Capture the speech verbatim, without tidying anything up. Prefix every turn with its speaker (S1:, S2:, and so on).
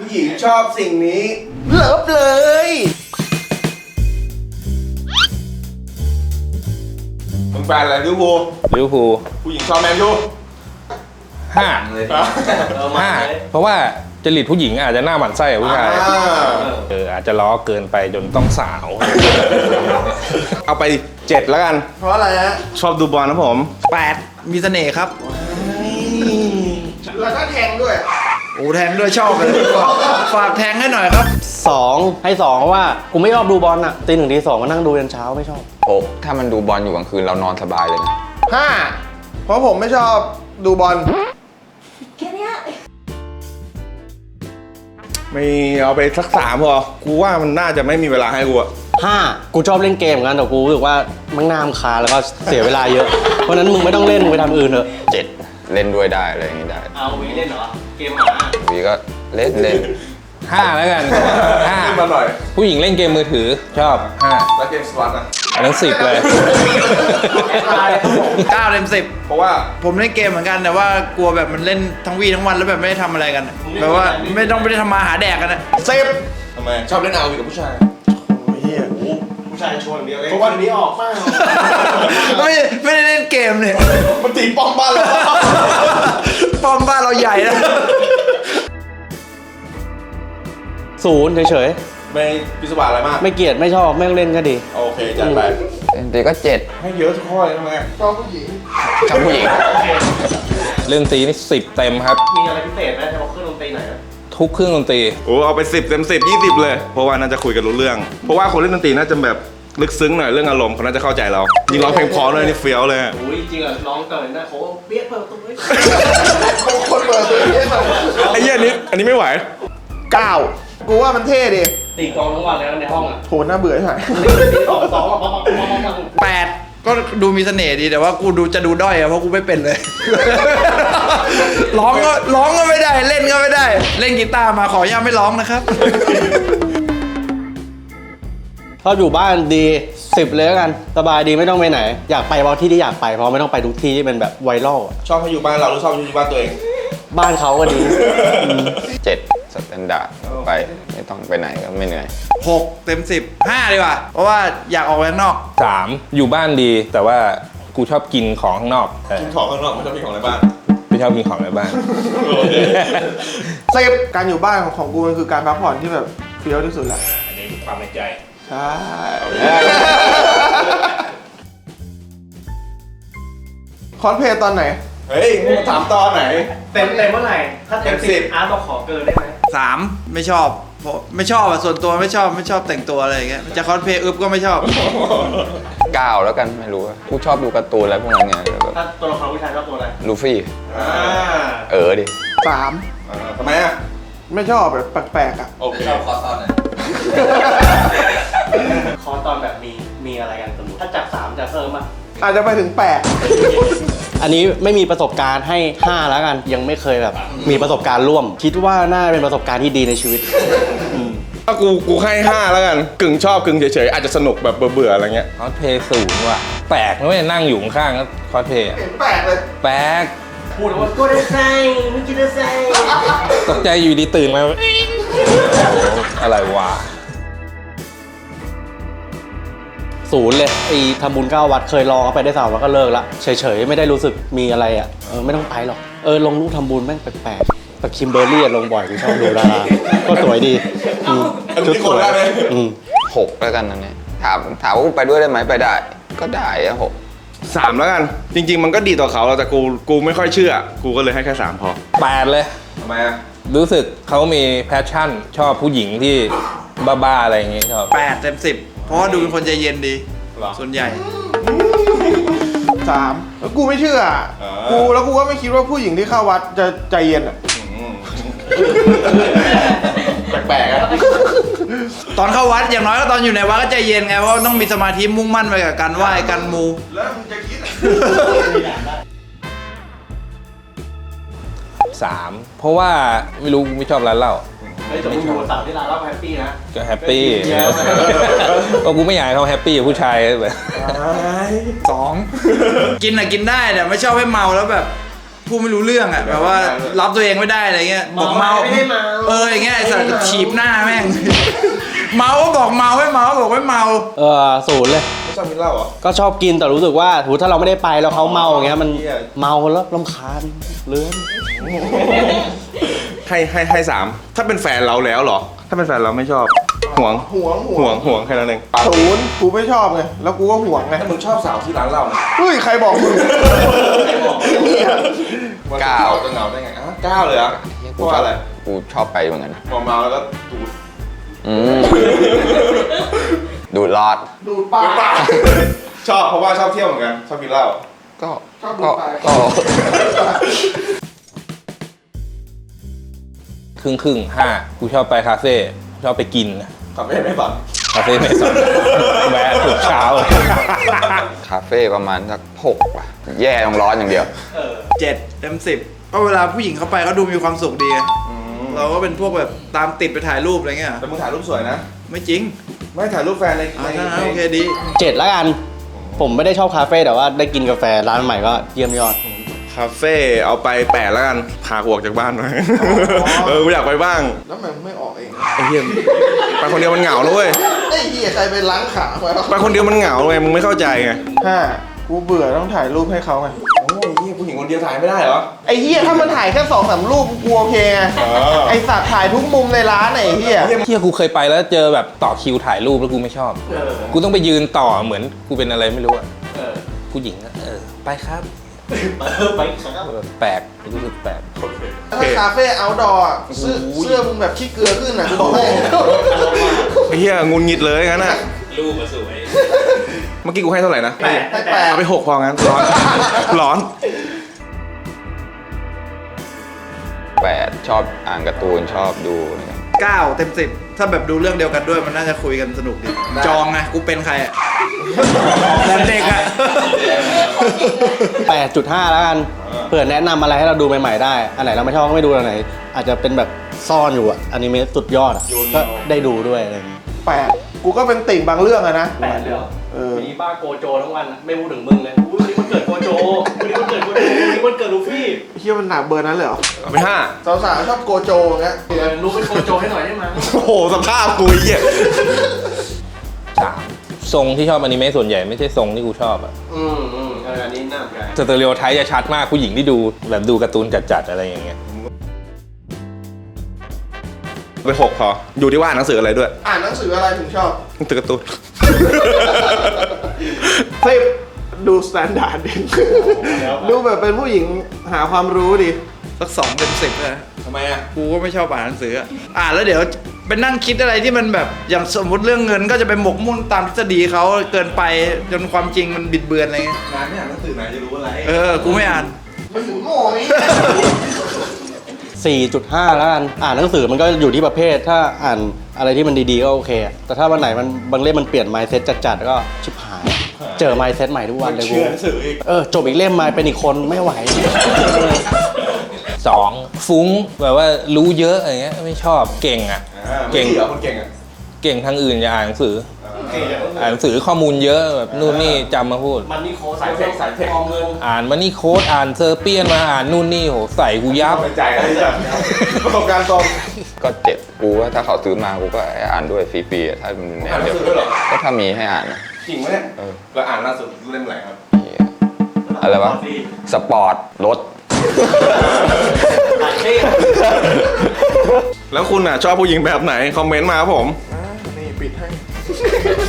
S1: ผู้หญิงชอบสิ่งนี้เลิฟเลยมึงแฟนอะไรลิเวอร์พูล
S2: ลิเวอร์พูล
S1: ผู้หญิงชอบแมนยู
S2: ห้าห้าเพราะว่าจริตผู้หญิงอาจจะหน้าหมันไส้กับผู้ชายเอออาจจะล้อเกินไปจนต้องสาวเอาไปเจ็ดแล้วกัน
S1: เพราะอะไรฮะ
S2: ชอบดูบอลนะผม
S3: แปดมีเสน่ห์ครับ
S1: แล้วก็แทงด้วย
S3: โอ้แทงด้วยชอบเลยฝากแทงให้หน่อยครับ
S4: สองให้สองเพราะว่ากูไม่ชอบดูบอลอะตีหนึ่งตีสองก็นั่งดูยันเช้าไม่ชอบ
S5: โอ้ถ้ามันดูบอลอยู่กลางคืนเรานอนสบายเลยนะ
S1: ห้าเพราะผมไม่ชอบดูบอลแค่นี้ไม่เอาไปสักสามพอกูว่ามันน่าจะไม่มีเวลาให้กูอะ
S4: ห้ากูชอบเล่นเกมเหมือนกันแต่กูรู้สึกว่ามันน่ารำคาญแล้วก็เสียเวลาเยอะเพราะนั้นมึงไม่ต้องเล่นมึงไปทำอื่นเถอะ
S5: เจ็ดเล่นด้วยได้อะไรอย่างนี้ได้
S4: เอาวีเล่นเหรอเกมหมา
S5: วีก็เล่นเล่น
S2: ห้าแล้วกันห้า
S1: ขึ้นมาหน่อย
S2: ผู้หญิงเล่นเกมมือถือชอบห้า
S1: แล้วเกมสล็อตอะ
S2: อันนั้นสิบเลย
S3: เก้าเต็มสิบ
S1: เพราะว่า
S3: ผมเล่นเกมเหมือนกันแต่ว่ากลัวแบบมันเล่นทั้งวีทั้งวันแล้วแบบไม่ได้ทำอะไรกันแบบว่าไม่ต้องไม่ได้ทำมาหาแดกกันนะ
S1: สิบทำไมชอบเล่นเอาวีกับผู้ชายโอ้ยเฮียผู้ชายชวนเดียวเลยเพราะวันนี้ออกมาก
S3: ไม่ไม่ได้เล่นเกมเนี่ย
S1: มันตีป้อมบ้านเรา
S3: ป้อมบ้านเราใหญ่นะ
S4: ศูนย์เฉย
S1: ไม่พิศวาสอะไรมาก
S4: ๆไม่เกลียดไม่ชอบไม่ต้องเล่นก็ดี
S1: โอเคจัดไป
S5: เล่นตีก็เจ็ด
S1: ให้เยอะทุกข้อเลยทำไมชอบผู้หญิง
S5: ชอบผู้หญิง
S2: เรื่องตีนี่สิบเต็มครับ
S4: มีอะไรพิเศษไหมเฉพาะเครื่องดนตรีไหน
S2: ทุกเครื่องดนตรี
S1: โอ้เอาไปสิบเต็มสิบยี่สิบเลยเพราะว่าน่าจะคุยกันรู้เรื่อง เพราะว่าคนเล่นดนตรีน่าจะแบบลึกซึ้งหน่อยเรื่องอารมณ์เขาน่าจะเข้าใจเรายิงร้องเพลงเพอเลยนี่เฟี้ยวเลย
S4: อุ้ยจริงอ่ะร้องเกินนะเขาเปี้ยเปิดตัวเลย
S1: คนเปิดตัวนี้ไอ้เหี้ยอันนี้อันนี้ไม่ไหวเก้ากูว่ามันเท่ดิ
S4: ตีกองทั้งวันเลยในห้องอ่ะ
S1: โหน่าเบื่อใช่ไหม
S4: ตีสองสองอ่ะป๊อปป๊อปป๊อปป๊อป
S3: แปดก็ดูมีเสน่ห์ดีแต่ว่ากูดูจะดูด้อยอะเพราะกูไม่เป็นเลย ร้องก็ร้องก็ไม่ได้เล่นก็ไม่ได้ เล่นกีตาร์มาขออนุญาตไม่ร้องนะครับ
S4: ชอบอยู่บ้านดีสิบเลยแล้วกันสบายดีไม่ต้องไปไหน อยากไปเพราะที่ที่อยากไปเพราะไม่ต้องไปทุกที่ที่เป็นแบบไวรัลอะ
S1: ชอบให้อยู่บ้านเราหรือชอบอยู่บ้านตัวเอง
S4: บ้านเขาก็ดี
S5: เจ็ดสแตนดาร์ดไปไม่ต้องไปไหนก็ไม่เหนื่อย
S3: หกเต็มสิบห้าดีกว่า เพราะว่าอยากออกไปข้างนอก
S2: สามอยู่บ้านดี แต่ว่ากูชอบกินของข้างนอกเออ
S1: กินของข้างนอกไม่ชอบกินของในบ้าน
S2: ไม่ชอบกินของในบ้าน
S1: สิบการอยู่บ้านของของกูมันคือการพักผ่อนที่แบบเฟี้ยวที่สุดแหละ
S2: อันนี้ความในใจ
S1: ใช่คอนเพลย์ตอนไหนเฮ้ยมึงถามตอนไหน
S4: เต็มเต็มเมื่อไหร่ถ้าเต็ม
S1: เต็มสิ
S4: สิ
S1: บ
S4: บอาร์ตบอกขอเกินได้ไหม
S3: สามไม่ชอบเพราะไม่ชอบอะส่วนตัวไม่ชอบไม่ชอบแต่งตัวอะไรอย่างเงี้ยจะคอสเพลย์อึบก็ไม่ชอบ
S5: เก้าแล้วกันไม่รู้อะกูชอบดูการ์ตูนอะไรพวกนั้นไงแบบ
S4: ถ้าตัวละครผู้ชายชอบตัวอะไร
S5: ลูฟี่
S1: อ่า
S5: เออดิ
S1: สามอ่าทำไมอ่ะไม่ชอบแบบแปลกๆอ่ะโอเค
S4: คอตอนแบบมีมีอะไรกันสมมติถ้าจากสามจะเพิ่มมา
S1: อาจจะไปถึงแปด
S4: อันนี้ไม่มีประสบการณ์ให้ห้าแล้วกันยังไม่เคยแบบมีประสบการณ์ร่วม คิดว่าน่าเป็นประสบการณ์ที่ดีในชีวิตอืม
S1: ถ้ากูกูให้ห้าแล้วกันกึ่งชอบกึ่งเฉยๆอาจจะสนุกแบบเบื่อๆอะไรเงี้ย
S2: คอสเพย์ศูนย์ว่ะแปลกนะเว้ยนั่งอยู่ข้างๆก็คอสเพย์อะ
S1: เห็นแปลกเลย
S2: แปลก
S4: พูดว่ากูได้ใส่ไม่คิดได้ใส่
S2: ตกใจอยู่ดีตื่นมาโอ้โหอะไรวะ
S4: ศูนย์เลยไอ้ทำบุญเก้าวัดเคยลองเอาไปได้สามวัดก็เลิกละเฉยๆไม่ได้รู้สึกมีอะไรอ่ะเออไม่ต้องไปหรอกเออลงรูปทำบุญแม่งแปลกๆแต่คิมเบอร์รี่อะลงบ่อยกูชอบดูดาราก็สวยดีอืม
S1: อันนี้คนได้ไหม
S4: อืม
S5: หกแล้วกันนั่นเนี่ยถามถามว่าไปด้วยได้ไหมไปได้ ก็ได้อะหก
S1: สามแล้วกัน จริง ๆ มันก็ดีต่อเขาแต่กูกูไม่ค่อยเชื่อ กูก็เลยให้แค่สามพอ
S2: แปดเลย
S1: ทำไมอ่ะ
S2: รู้สึกเขามีแพชชั่น ชอบผู้หญิงที่บ้าๆอะไรอย่างงี้ชอบ
S3: แปดเต็มสิบเพราะว่าดูเป็นคนใจเย็นดี
S1: หรอ
S3: ส่วนใหญ่
S1: สามแล้วกูไม่เชื่อกูแล้วกูก็ไม่คิดว่าผู้หญิงที่เข้าวัดจะใจเย็นอ่ะแปลกๆอ่ะ
S3: ตอนเข้าวัดอย่างน้อยก็ตอนอยู่ในวัดก็ใจเย็นไงเพราะต้องมีสมาธิมุ่งมั่นไปกับการไหว้การมู
S1: แล้วมึงจะคิด
S2: สามเพราะว่าไม่รู้ไม่ชอบร้านเหล้า
S4: เฮ้ยแต่มึงอยู่สาวที่ร้านเราแฮปปี้นะ
S2: ก็แฮปปี้ก็กูไม่อยากให้เขาแฮปปี้กับผู้ชายแบบ
S3: สองกินอะกินได้แต่ไม่ชอบให้เมาแล้วแบบ พพูดไม่รู้เรื่องอ่ะแบบว่ารับตัวเองไม่ได้อะไรเงี้ยบอกเมาเอออย่างเงี้ยไอ้สัตว์ฉีบหน้าแม่ง เมาก็บอกเมาไม่เมาก็บอกไม่เมา
S4: เออศูนย์เลย
S1: ไม่ชอบกินเหล้าเหรอ
S4: ก็ชอบกินแต่รู้สึกว่าถูถ้าเราไม่ได้ไปแล้วเขาเมาอย่างเงี้ยมัน
S1: เหี้ย
S4: เมาแล้วรำคาญเลื้อน
S1: ให้ให้ให้สามถ้าเป็นแฟนเราแล้วเหรอ ถ้าเป็นแฟนเราไม่ชอบห่วง
S6: ห่วง
S1: ห่วงห่วงแค่นั้นเอง
S6: ศูนย์กูไม่ชอบไงแล้วกูก็ห่วงไง
S1: ถ้ามึงชอบสาวที่ร้านเหล้าเนี่ย
S6: เฮ้ยใครบอกมึง
S1: เก้าจะเหงาได้ไงอ่ะเก้าเลยเหรอ่ะเพ
S5: กู
S1: ราะ
S5: ช
S1: ว่า
S5: อบ
S1: อะไร
S5: กูชอบไปเหมือนกัน
S1: พอเมาแล้วก็ดูด
S5: อืมดูดรอด
S6: ดูดปาก
S1: ชอบเพราะว่าชอบเที่ยวเหมือนกันชอบกินเหล้า
S5: ก็
S6: ชอบดู
S5: ก็
S6: ดปาก
S5: ก็
S2: ครึ่งครึ่งห้ากูชอบไปคาเฟ่ชอบไปกิน
S1: กลับไม่ไม่ฝัน
S2: คาเฟ่เมสันแวะทุกเช้า
S5: คาเฟ่ประมาณสักหกว่ะแย่ต้องร้อนอย่างเดียว
S3: เจ็ดเต็มสิบก็เวลาผู้หญิงเข้าไปเขาดูมีความสุขดีอะเราก็เป็นพวกแบบตามติดไปถ่ายรูปอะไรเงี้ย
S1: แต่มึงถ่ายรูปสวยนะ
S3: ไม่จริง
S1: ไม่ถ่ายรูปแฟนใน
S3: อ่า
S1: ใน
S3: ถ้างั้น
S1: ใน
S3: โอเคดี
S4: เจ็ดแล้วกัน ผมไม่ได้ชอบคาเฟ่แต่ว่าได้กินกาแฟร้านใหม่ก็เยี่ยมยอด
S1: คาเฟ่เอาไปแปดแล้วกันพากูออกจากบ้านหน่อยเออกูอยากไปบ้าง
S6: แล้วมันไม่ออกเอง
S1: ไอ้เหี้ยไปคนเดียวมันเหงาเลยเว้ย
S6: ไอ้เหี้ยใครไปล้างขาไว้
S1: ไปคนเดียวมันเหงาไงมึงไม่เข้าใจไง
S6: ห้ากูเบื่อต้องถ่ายรูปให้เขาไง
S1: โอ้ยเหี้ยผู้หญิงคนเดียวถ่ายไม่ได้เหรอ
S6: ไอ้เหี้ยถ้ามันถ่ายแค่สองสามรูปกูโอเคไง
S1: เออ
S6: ไอ้สัตว์ถ่ายทุกมุมในร้านไหนเหี้ย
S2: เที่ยกูเคยไปแล้วเจอแบบต่อคิวถ่ายรูปแล้วกูไม่ชอบ กูต้องไปยืนต่อเหมือนกูเป็นอะไรไม่รู้อะผู้หญิงอะเออไปครับไปครับแปลกรู้สึกแปลก
S6: ถ้าคาเฟ่เอาท์ดอร์อะเสื้อเสื้อมึงแบบขี้เกลือขึ้นอ่ะกูบอกให้
S1: ไอ้เหี้ยงุนงิดเลยงั้นน่ะ
S2: รูปมาสวย
S1: เมื่อกี้กูให้เท่าไหร่นะ
S6: ให้แปด
S1: เอาไปหกพองั้นร้อนร้อน
S5: แปดชอบอ่านการ์ตูนชอบดูอะไรเงี้ย
S3: เก้าเต็มสิบถ้าแบบดูเรื่องเดียวกันด้วยมันน่าจะคุยกันสนุกดี จองไงกูเป็นใครอ่ะแบบเด็กอ่ะ
S4: แปดจุดห้าแล้วกันเผื่อแนะนำอะไรให้เราดูใหม่ๆได้ อันไหนเราไม่ชอบก็ไม่ดูอันไหน อาจจะเป็นแบบซ่อนอยู่อะอนิเมะสุดยอดอะก็ได้ดูด้วยอะไรอย่างงี้
S6: แปดกูก็เป็นติ่งบางเรื่องอะนะ
S4: แปดเลยเหรอ
S6: เออ
S4: มีบ้าโกโจทั้งวันไม่พูดถึงมึงเลยวันนี้มันเกิดโกโจวันนี้มันเกิดโกโจวันนี้มันเกิดลูฟี่
S6: เหี้ยมันหนักเบอร์นั้นเลยเหรอ
S1: เอาไปห้า
S6: สาวๆชอบโกโจอย่างเงี้ย
S4: ลูกเป็นโกโจให้หน่อยได้ไหม
S1: โอ้โหสภาพกูไอ้เหี้ย
S2: สามทรงที่ชอบอนิเมะส่วนใหญ่ไม่ใช่ทรงที่กูชอบอะ
S4: อืมอืมอันนี้น่าสนใจ
S2: สเตอริโอไทป์จะชัดมากผู้หญิงที่ดูแบบดูการ์ตูนจัดๆอะไรอย่างเงี้ย
S1: ไปหกพออยู่ที่ว่าอ่านหนังสืออะไรด้วย
S6: อ่านหนังสืออะไรถึงชอบ
S1: หนังสือการ์ตูน
S6: สิบดูสแตนดาร์ดดิ ดูแบบเป็นผู้หญิงหาความรู้ดิ
S3: สักสองเต็มสิบเลย
S1: ทำไมอ่ะ
S3: กูก็ไม่ชอบอ่านหนังสืออะอ่านแล้วเดี๋ยวไปนั่งคิดอะไรที่มันแบบอย่างสมมติเรื่องเงินก็จะไปหมกมุ่นตามทฤษฎีเขาเกินไปจนความจริงมันบิดเบือนอะไรเงี้ย
S1: งานไม่อ่านหนังสือไหนจะรู้อะไร
S3: เออกูไม่อ่าน
S6: มันถึงโง่ไหม
S4: สี่จุดห้าแล้วกันอ่านหนังสือมันก็อยู่ที่ประเภทถ้าอ่านอะไรที่มันดีๆก็โอเคอะแต่ถ้าวันไหนมันบางเล่มมันเปลี่ยน mindset จัดๆก็ชิบหาย เจอ mindset ใหม่ทุกวันเลยกู
S1: เชื่อหนังสืออีก
S4: เออจบอีกเล่มมาเป็นอีกคนไม่ไหว
S2: สองฟุ้งแบบว่ารู้เยอะอะไรเงี้ยไม่ชอบเก่งอ่ะ
S1: เก่
S2: เก่
S1: ง
S2: ง
S1: เหรอคนเก่งอ่ะ
S2: เก่งทางอื่นอย่าอ่านหนังสืออ่านหนังสือข้อมูลเยอะแบบนู่นนี่จำมาพูด
S4: มันนี่โค้ดสายเทคสายเทคเงิน
S2: อ่านมันนี่โค้ดอ่านเซอร์เปียนมาอ่านนู่นนี่โหใส่กูยับ
S1: เข้าใจอะไรจ้ะประสบการณ์ตรง
S5: ก็เจ็ดกูว่าถ้าเขาซื้อมากูก็อ่านด้วยฟรีๆอะถ้ามันแนวเดียว
S1: อ่านหนังสือด้วยเหรอ
S5: ก็ถ้ามีให้อ่านนะ
S1: จริงไหมเนี่ย
S5: เออ
S1: แล้วอ่านล่าสุดเล่มไหนครับ
S5: เหี้ยอะไรวะสปอร์ตรถ
S1: แล้วคุณอ่ะชอบผู้หญิงแบบไหน คอมเมนต์มาครับผม
S6: อ่านี่ปิดให้